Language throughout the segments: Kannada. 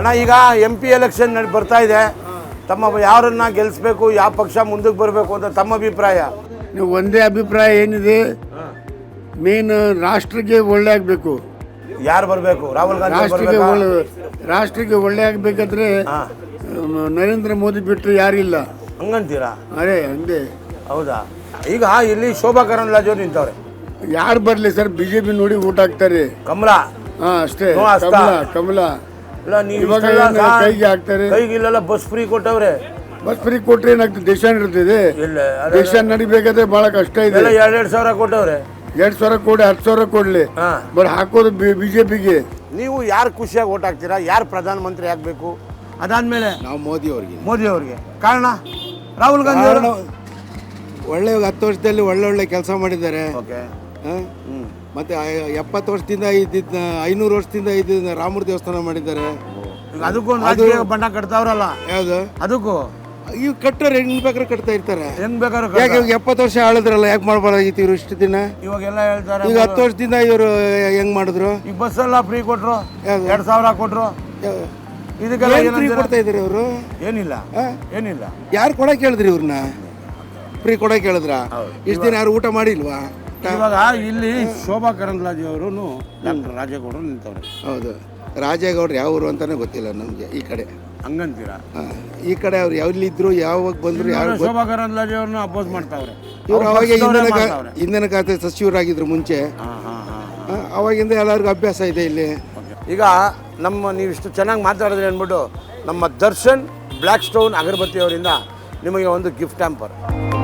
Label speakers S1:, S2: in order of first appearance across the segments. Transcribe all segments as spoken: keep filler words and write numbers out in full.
S1: ಅಣ್ಣ ಈಗ ಎಂ ಪಿ ಎಲೆಕ್ಷನ್ ಬರ್ತಾ ಇದೆ, ತಮ್ಮ ಯಾರನ್ನ ಗೆಲ್ಲಿಸ್ಬೇಕು, ಯಾವ ಪಕ್ಷ ಮುಂದಕ್ಕೆ ಬರಬೇಕು ಅಂತ ತಮ್ಮ ಅಭಿಪ್ರಾಯ?
S2: ನೀವು ಒಂದೇ ಅಭಿಪ್ರಾಯ ಏನಿದೆ, ಮೇನ್ ರಾಷ್ಟ್ರಕ್ಕೆ ಒಳ್ಳೆ ಆಗಬೇಕು.
S1: ಯಾರು ಬರಬೇಕು? ರಾಹುಲ್ ಗಾಂಧಿ
S2: ರಾಷ್ಟ್ರಕ್ಕೆ ಒಳ್ಳೆ ರಾಷ್ಟ್ರಕ್ಕೆ ಒಳ್ಳೆ ಆಗಬೇಕಾದ್ರೆ ನರೇಂದ್ರ ಮೋದಿ ಬಿಟ್ಟರೆ ಯಾರಿಲ್ಲ.
S1: ಹಂಗಂತೀರಾ?
S2: ಅದೇ ಹಂಗೆ.
S1: ಹೌದಾ? ಈಗ ಇಲ್ಲಿ ಶೋಭಾ ಕರಂದ್ಲಾಜೆ ಅವ್ರು ನಿಂತವ್ರೆ.
S2: ಯಾರು ಬರಲಿ ಸರ್, ಬಿ ಜೆ ಪಿ ನೋಡಿ ಊಟ ಹಾಕ್ತಾರೆ.
S1: ಕಮಲ
S2: ಹಾಂ ಅಷ್ಟೇ, ಕಮಲ ಕಮಲ ಇವಾಗ ಕೈಗೆ ಹಾಕ್ತಾರೆ.
S1: ಕೈಗೆ ಇಲ್ಲೆಲ್ಲ ಬಸ್ ಫ್ರೀ ಕೊಟ್ಟವ್ರೆ.
S2: ಬಸ್ ಫ್ರೀ ಕೊಟ್ರೆ ಏನಾಗ್ತದೆ, ದೇಶ ನಡೀತಿದೆ. ದೇಶ ನಡಿಬೇಕಾದ್ರೆ ಬಹಳ ಕಷ್ಟ ಇದೆ.
S1: ಎರಡ್ ಎರಡ್ ಸಾವಿರ ಕೊಟ್ಟವ್ರೆ.
S2: ಎರಡ್ ಸಾವಿರ ಕೊಡಿ, ಹತ್ತು ಸಾವಿರ ಕೊಡ್ಲಿ, ಬಟ್ ಹಾಕೋದು ಬಿಜೆಪಿಗೆ.
S1: ನೀವು ಯಾರು ಖುಷಿಯಾಗಿ ಓಟ್ ಹಾಕ್ತೀರಾ? ಯಾರು ಪ್ರಧಾನಮಂತ್ರಿ ಆಗ್ಬೇಕು? ಅದಾದ್ಮೇಲೆ
S2: ನಾವು ಮೋದಿ ಅವ್ರಿಗೆ
S1: ಮೋದಿ ಅವ್ರಿಗೆ ಕಾರಣ ರಾಹುಲ್ ಗಾಂಧಿ ಅವರು
S2: ಒಳ್ಳೆ ಹತ್ತು ವರ್ಷದಲ್ಲಿ ಒಳ್ಳೊಳ್ಳೆ ಕೆಲಸ ಮಾಡಿದ್ದಾರೆ.
S1: ಓಕೆ.
S2: ಮತ್ತೆ ಎಪ್ಪತ್ತು ವರ್ಷದಿಂದ ಇದ್ದಿದ್ದ ಐನೂರು ವರ್ಷದಿಂದ ಇದ್ದ ರಾಮರ ದೇವಸ್ಥಾನ ಮಾಡಿದ್ದಾರೆ.
S1: ಅದಕ್ಕೂ ಬಣ್ಣ ಕಟ್ತಾವ್ರಲ್ಲ.
S2: ಯಾವ್ದು?
S1: ಅದಕ್ಕೂ
S2: ಇವ್ ಕಟ್ಟೋರು ಹೆಂಗ್ ಬೇಕಾದ್ರೆ ಕಟ್ತಾ ಇರ್ತಾರೆ.
S1: ಹೆಂಗ್ ಬೇಕಾದ್ರೆ
S2: ಯಾಕೆ ಎಪ್ಪತ್ತು ವರ್ಷ ಆಳಿದ್ರಲ್ಲ, ಯಾಕೆ ಮಾಡ್ಬಾರ್ದಾಗಿತ್ತು ಇವ್ರು ಇಷ್ಟು ದಿನ?
S1: ಇವಾಗೆಲ್ಲ ಹೇಳ್ತಾರೆ
S2: ಈಗ ಹತ್ತು ವರ್ಷದಿಂದ ಇವರು ಹೆಂಗ್ ಮಾಡಿದ್ರು?
S1: ಈಗ ಬಸ್ ಎಲ್ಲ ಫ್ರೀ ಕೊಟ್ರು, ಎರಡ್ ಸಾವಿರ ಕೊಟ್ರು. ಇದಕ್ಕೆಲ್ಲ
S2: ಫ್ರೀ ಕೊಡ್ತಾ ಇದ್ರಿ ಅವರು?
S1: ಏನಿಲ್ಲ ಏನಿಲ್ಲ.
S2: ಯಾರು ಕೊಡಕ್ ಹೇಳಿದ್ರಿ ಇವ್ರನ್ನ? ಫ್ರೀ ಕೊಡಕ್ ಹೇಳಿದ್ರ? ಇಷ್ಟು ದಿನ ಯಾರು ಊಟ ಮಾಡಿಲ್ವಾ?
S1: ಇವಾಗ ಇಲ್ಲಿ ಶೋಭಾ ಕರಂದ್ಲಾಜೆ ಅವರು ಡಾಕ್ಟರ್ ರಾಜೇಗೌಡರು ನಿಂತವ್ರೆ.
S2: ಹೌದು, ರಾಜೇಗೌಡರು ಯಾವ ಊರು ಅಂತಾನೆ ಗೊತ್ತಿಲ್ಲ ನಮ್ಗೆ ಈ ಕಡೆ.
S1: ಹಂಗಂತೀರಾ?
S2: ಈ ಕಡೆ ಅವ್ರು ಎಲ್ಲಿದ್ರು, ಯಾವಾಗ ಬಂದ್ರು, ಯಾರು
S1: ಶೋಭಾ ಕರಂದ್ಲಾಜೆ ಅವ್ರನ್ನ ಅಪೋಸ್ ಮಾಡ್ತಾವ್ರೆ.
S2: ಇವ್ರು ಅವಾಗ ಇಂಧನ ಇಂಧನ ಖಾತೆ ಸಚಿವರಾಗಿದ್ರು ಮುಂಚೆ. ಅವಾಗಿಂದ ಎಲ್ಲರಿಗೂ ಅಭ್ಯಾಸ ಇದೆ ಇಲ್ಲಿ.
S1: ಈಗ ನಮ್ಮ ನೀವಿಷ್ಟು ಚೆನ್ನಾಗಿ ಮಾತಾಡಿದ್ರಿ ಅಂದ್ಬಿಟ್ಟು ನಮ್ಮ ದರ್ಶನ್ ಬ್ಲ್ಯಾಕ್ ಸ್ಟೋನ್ ಅಗರಬತ್ತಿ ಅವರಿಂದ ನಿಮಗೆ ಒಂದು ಗಿಫ್ಟ್ ಹ್ಯಾಂಪರ್.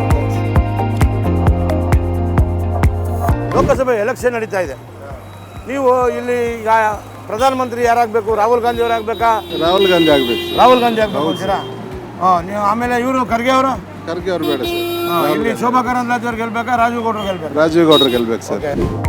S1: ಲೋಕಸಭೆ ಎಲೆಕ್ಷನ್ ನಡೀತಾ ಇದೆ. ನೀವು ಇಲ್ಲಿ ಈಗ ಪ್ರಧಾನಮಂತ್ರಿ ಯಾರಾಗಬೇಕು? ರಾಹುಲ್ ಗಾಂಧಿ ಅವರು ಆಗಬೇಕಾ?
S2: ರಾಹುಲ್ ಗಾಂಧಿ ಆಗಬೇಕು.
S1: ರಾಹುಲ್ ಗಾಂಧಿ ಆಗಬೇಕು ಅಂತೀರಾ? ಹಾಂ. ನೀವು ಆಮೇಲೆ ಇವರು ಖರ್ಗೆ ಅವರು?
S2: ಖರ್ಗೆ ಅವರು ಬೇಡ ಸರ್.
S1: ಇಲ್ಲಿ ಶೋಭಾ ಕರಂದ್ಲಾಜೆ ಅವ್ರು ಗೆಲ್ಬೇಕಾ, ರಾಜೀವ್ ಗೌಡರು ಗೆಲ್ಬೇಕಾ?
S2: ರಾಜೀವ್ ಗೌಡರು ಗೆಲ್ಬೇಕು ಸರ್.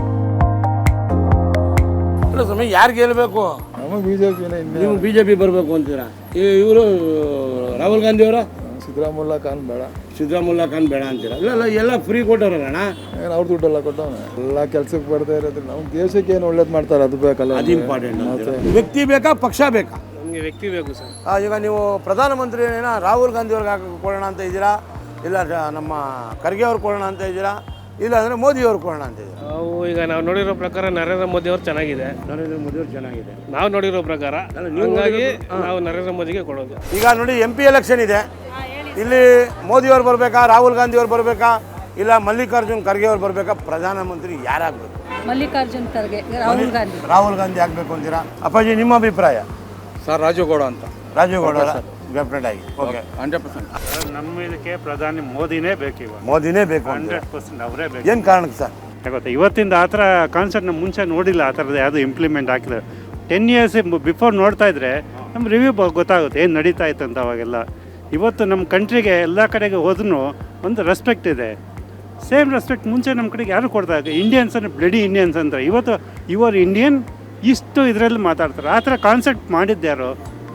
S1: ಸಮಯ ಯಾರು ಗೆಲ್ಲಬೇಕು?
S2: ಬಿಜೆಪಿನೇ.
S1: ನೀವು ಬಿಜೆಪಿ ಬರಬೇಕು ಅಂತೀರಾ? ಇವರು ರಾಹುಲ್ ಗಾಂಧಿ ಅವರ?
S2: ಸಿದ್ದರಾಮುಲ್ಲಾ ಖಾನ್ ಬೇಡ.
S1: ಸಿದ್ದರಾಮುಲ್ಲಾ ಖಾನ್ ಬೇಡ ಅಂತೀರಾ? ಇಲ್ಲ ಇಲ್ಲ, ಎಲ್ಲ ಫ್ರೀ ಕೊಟ್ಟವ್ರಲ್ಲ.
S2: ಏನು ಅವ್ರ ದುಡ್ಡೆಲ್ಲ ಕೊಟ್ಟವನೆ, ಎಲ್ಲ ಕೆಲ್ಸಕ್ಕೆ ಬರ್ತಾ ಇರೋದು. ನಾವು ದೇಶಕ್ಕೆ ಏನು ಒಳ್ಳೇದು ಮಾಡ್ತಾರೆ ಅದು ಬೇಕಲ್ಲ,
S1: ಅದು ಇಂಪಾರ್ಟೆಂಟ್. ವ್ಯಕ್ತಿ ಬೇಕಾ, ಪಕ್ಷ ಬೇಕಾ?
S3: ನಮಗೆ ವ್ಯಕ್ತಿ ಬೇಕು ಸರ್.
S1: ಈಗ ನೀವು ಪ್ರಧಾನಮಂತ್ರಿ ಏನೋ ರಾಹುಲ್ ಗಾಂಧಿ ಅವ್ರಿಗೆ ಹಾಕಿ ಕೊಡೋಣ ಅಂತ ಇದ್ದೀರಾ, ಇಲ್ಲ ನಮ್ಮ ಖರ್ಗೆ ಅವ್ರು ಕೊಡೋಣ ಅಂತ ಇದ್ದೀರಾ, ಇಲ್ಲ ಅಂದರೆ ಮೋದಿ ಅವ್ರು ಕೊಡೋಣ ಅಂತ ಇದ್ದೀರಾ?
S3: ನಾವು ಈಗ ನಾವು ನೋಡಿರೋ ಪ್ರಕಾರ ನರೇಂದ್ರ ಮೋದಿ ಅವ್ರು ಚೆನ್ನಾಗಿದೆ.
S1: ನರೇಂದ್ರ ಮೋದಿ ಅವ್ರು ಚೆನ್ನಾಗಿದೆ
S3: ನಾವು ನೋಡಿರೋ ಪ್ರಕಾರ. ಹಾಗಾಗಿ ನಾವು ನರೇಂದ್ರ ಮೋದಿಗೆ ಕೊಡೋದು.
S1: ಈಗ ನೋಡಿ ಎಂ ಪಿ ಎಲೆಕ್ಷನ್ ಇದೆ. ಇಲ್ಲಿ ಮೋದಿ ಅವ್ರು ಬರಬೇಕಾ, ರಾಹುಲ್ ಗಾಂಧಿ ಅವ್ರು ಬರಬೇಕಾ, ಇಲ್ಲ ಮಲ್ಲಿಕಾರ್ಜುನ್ ಖರ್ಗೆ ಅವ್ರು ಬರಬೇಕಾ? ಪ್ರಧಾನಮಂತ್ರಿ ಯಾರಾಗಬೇಕು?
S4: ಮಲ್ಲಿಕಾರ್ಜುನ್ ಖರ್ಗೆ, ರಾಹುಲ್ ಗಾಂಧಿ.
S1: ರಾಹುಲ್ ಗಾಂಧಿ ಆಗಬೇಕು ಅಂತೀರಾ? ಅಪ್ಪಾಜಿ ನಿಮ್ಮ ಅಭಿಪ್ರಾಯ?
S5: ಸರ್ ರಾಜೀವ್ ಗೌಡ ಅಂತ.
S1: ರಾಜೀವ್ ಗೌಡ ಡೆಫಿನೆಟ್ ಆಗಿ. ಓಕೆ,
S5: ಹಂಡ್ರೆಡ್ ಪರ್ಸೆಂಟ್
S6: ನಮ್ಮ ಇದಕ್ಕೆ ಪ್ರಧಾನಿ ಮೋದಿನೇ ಬೇಕು. ಇವಾಗ
S1: ಮೋದಿನೇ ಬೇಕು.
S6: ಹಂಡ್ರೆಡ್ ಪರ್ಸೆಂಟ್ ಅವರೇ ಬೇಕು.
S1: ಏನು ಕಾರಣಕ್ಕೆ ಸರ್?
S6: ಗೊತ್ತಾ, ಇವತ್ತಿಂದ ಆ ಥರ ಕಾನ್ಸೆಪ್ಟ್ ನಮ್ಮ ಮುಂಚೆ ನೋಡಿಲ್ಲ. ಆ ಥರದ್ದು ಯಾವುದು ಇಂಪ್ಲಿಮೆಂಟ್ ಹಾಕಿದ್ರೆ ಟೆನ್ ಇಯರ್ಸ್ ಬಿಫೋರ್ ನೋಡ್ತಾ ಇದ್ರೆ ನಮ್ಮ ರಿವ್ಯೂ ಗೊತ್ತಾಗುತ್ತೆ ಏನು ನಡೀತಾ ಇತ್ತು ಅಂತ. ಅವಾಗೆಲ್ಲ ಇವತ್ತು ನಮ್ಮ ಕಂಟ್ರಿಗೆ ಎಲ್ಲ ಕಡೆಗೆ ಹೋದ್ರೂ ಒಂದು ರೆಸ್ಪೆಕ್ಟ್ ಇದೆ. ಸೇಮ್ ರೆಸ್ಪೆಕ್ಟ್ ಮುಂಚೆ ನಮ್ಮ ಕಡೆಗೆ ಯಾರು ಕೊಡ್ತಾ ಇದ್ದಾರೆ? ಇಂಡಿಯನ್ಸ್ ಅಂದರೆ ಬ್ಲಡಿ ಇಂಡಿಯನ್ಸ್ ಅಂತಾರೆ. ಇವತ್ತು ಯುವರ್ ಇಂಡಿಯನ್ ಇಷ್ಟು ಇದರಲ್ಲಿ ಮಾತಾಡ್ತಾರೆ. ಆ ಥರ ಕಾನ್ಸೆಪ್ಟ್ ಮಾಡಿದ್ದ್ಯಾರು?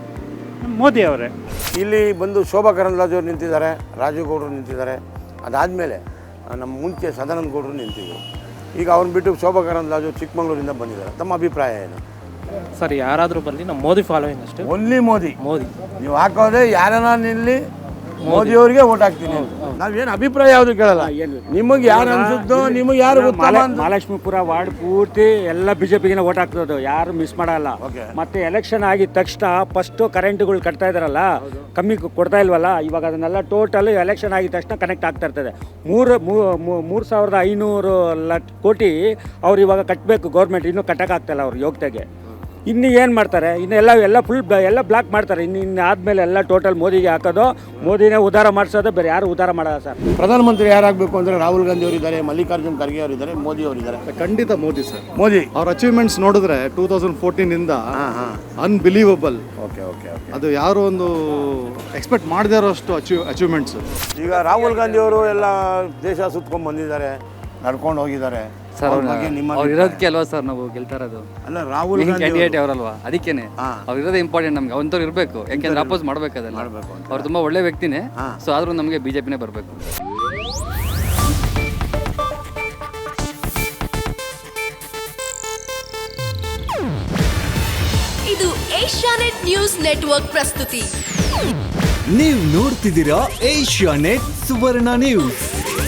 S6: ಮೋದಿ ಅವರೇ.
S1: ಇಲ್ಲಿ ಬಂದು ಶೋಭಾ ಕರಂದ್ಲಾಜೆ ಅವ್ರು ನಿಂತಿದ್ದಾರೆ, ರಾಜೀವ್ ಗೌಡರು ನಿಂತಿದ್ದಾರೆ. ಅದಾದಮೇಲೆ ನಮ್ಮ ಮುಂಚೆ ಸದಾನಂದ ಗೌಡರು ನಿಂತಿದ್ದರು. ಈಗ ಅವ್ರನ್ನ ಬಿಟ್ಟು ಶೋಭಾ ಕರಂದ್ಲಾಜೆ ಚಿಕ್ಕಮಗಳೂರಿಂದ ಬಂದಿದ್ದಾರೆ. ತಮ್ಮ ಅಭಿಪ್ರಾಯ ಏನು?
S3: ಸರ್ ಯಾರಾದರೂ ಬರಲಿ ನಮ್ಮ ಮೋದಿ ಫಾಲೋಯಿಂಗ್ ಅಷ್ಟೇ.
S1: ಓನ್ಲಿ ಮೋದಿ.
S3: ಮೋದಿ
S1: ನೀವು ಹಾಕೋದೇ ಯಾರನ್ನ ನಿಲ್ಲಿ ಮೋದಿ ಅವರಿಗೆ ಓಟ್ ಹಾಕ್ತೀನಿ. ನಾವೇನು ಅಭಿಪ್ರಾಯ ಯಾವುದು ಕೇಳಲ್ಲ. ನಿಮಗೆ ಯಾರು ಅನ್ಸುತ್ತೋ, ನಿಮಗೆ ಯಾರು ಗೊತ್ತಲ್ಲ.
S7: ಮಹಾಲಕ್ಷ್ಮೀಪುರ ವಾರ್ಡ್ ಪೂರ್ತಿ ಎಲ್ಲ ಬಿಜೆಪಿಗೆ ಓಟ್ ಹಾಕ್ತದೆ, ಯಾರು ಮಿಸ್ ಮಾಡಲ್ಲ. ಮತ್ತೆ ಎಲೆಕ್ಷನ್ ಆಗಿದ ತಕ್ಷಣ ಫಸ್ಟ್ ಕರೆಂಟ್ಗಳು ಕಟ್ತಾ ಇದಾರಲ್ಲ, ಕಮ್ಮಿ ಕೊಡ್ತಾ ಇಲ್ವಲ್ಲ, ಇವಾಗ ಅದನ್ನೆಲ್ಲ ಟೋಟಲ್ ಎಲೆಕ್ಷನ್ ಆಗಿದ ತಕ್ಷಣ ಕನೆಕ್ಟ್ ಆಗ್ತಾ ಇರ್ತದೆ. ಮೂರು ಮೂರು ಸಾವಿರದ ಐನೂರು ಲಕ್ಷ ಕೋಟಿ ಅವ್ರು ಇವಾಗ ಕಟ್ಟಬೇಕು ಗೌರ್ಮೆಂಟ್, ಇನ್ನೂ ಕಟ್ಟಕ್ಕಾಗ್ತಾಯಿಲ್ಲ ಅವ್ರು ಯೋಗ್ಯತೆಗೆ. ಇನ್ನು ಏನು ಮಾಡ್ತಾರೆ? ಇನ್ನು ಎಲ್ಲ ಎಲ್ಲ ಫುಲ್ ಎಲ್ಲ ಬ್ಲಾಕ್ ಮಾಡ್ತಾರೆ. ಇನ್ನು ಇನ್ನು ಆದಮೇಲೆ ಎಲ್ಲ ಟೋಟಲ್ ಮೋದಿಗೆ ಹಾಕೋದು, ಮೋದಿನೇ ಉದ್ಧಾರ ಮಾಡಿಸೋದು, ಬೇರೆ ಯಾರು ಉದ್ಧಾರ ಮಾಡೋಲ್ಲ ಸರ್.
S1: ಪ್ರಧಾನಮಂತ್ರಿ ಯಾರಾಗಬೇಕು ಅಂದರೆ ರಾಹುಲ್ ಗಾಂಧಿ ಅವರಿದ್ದಾರೆ, ಮಲ್ಲಿಕಾರ್ಜುನ್ ಖರ್ಗೆ ಅವರಿದ್ದಾರೆ, ಮೋದಿ ಅವರಿದ್ದಾರೆ.
S5: ಖಂಡಿತ ಮೋದಿ ಸರ್.
S1: ಮೋದಿ
S5: ಅವ್ರ ಅಚೀವ್ಮೆಂಟ್ಸ್ ನೋಡಿದ್ರೆ ಟೂ ತೌಸಂಡ್ ಫೋರ್ಟೀನ್ ಇಂದ ಅನ್ಬಿಲೀವಬಲ್.
S1: ಓಕೆ ಓಕೆ ಓಕೆ
S5: ಅದು ಯಾರು ಒಂದು ಎಕ್ಸ್ಪೆಕ್ಟ್ ಮಾಡದೇ ಇರೋಷ್ಟು ಅಚೀವ್ ಅಚೀವ್ಮೆಂಟ್ಸ್.
S1: ಈಗ ರಾಹುಲ್ ಗಾಂಧಿ ಅವರು ಎಲ್ಲ ದೇಶ ಸುತ್ಕೊಂಡು ಬಂದಿದ್ದಾರೆ, ನಡ್ಕೊಂಡು ಹೋಗಿದ್ದಾರೆ.
S8: ಅವ್ರು ಇರೋದಕ್ಕೆ ಅಲ್ವಾ ಸರ್ ನಾವು ಗೆಲ್ತಾ ಇರೋದು?
S1: ಅಲ್ಲ, ರಾಹುಲ್
S8: ಕ್ಯಾಂಡಿಡೇಟ್ ಅವರಲ್ವಾ, ಅದಕ್ಕೇನೆ ಅವ್ರು ಇರೋದೇ ಇಂಪಾರ್ಟೆಂಟ್ ನಮ್ಗೆ. ಅಂಥವ್ರು ಇರಬೇಕು, ಯಾಕೆಂದ್ರೆ ಅಪೋಸ್ ಮಾಡ್ಬೇಕು. ಅದೆಲ್ಲ ಅವ್ರು ತುಂಬಾ ಒಳ್ಳೆ ವ್ಯಕ್ತಿನೇ. ಸೊ ಆದ್ರೂ ನಮಗೆ ಬಿಜೆಪಿನೇ ಬರಬೇಕು.
S9: ಇದು ಏಷ್ಯಾನೆಟ್ ನ್ಯೂಸ್ ನೆಟ್ವರ್ಕ್ ಪ್ರಸ್ತುತಿ.
S10: ನೀವು ನೋಡ್ತಿದ್ದೀರಾ ಏಷ್ಯಾನೆಟ್ ಸುವರ್ಣ ನ್ಯೂಸ್.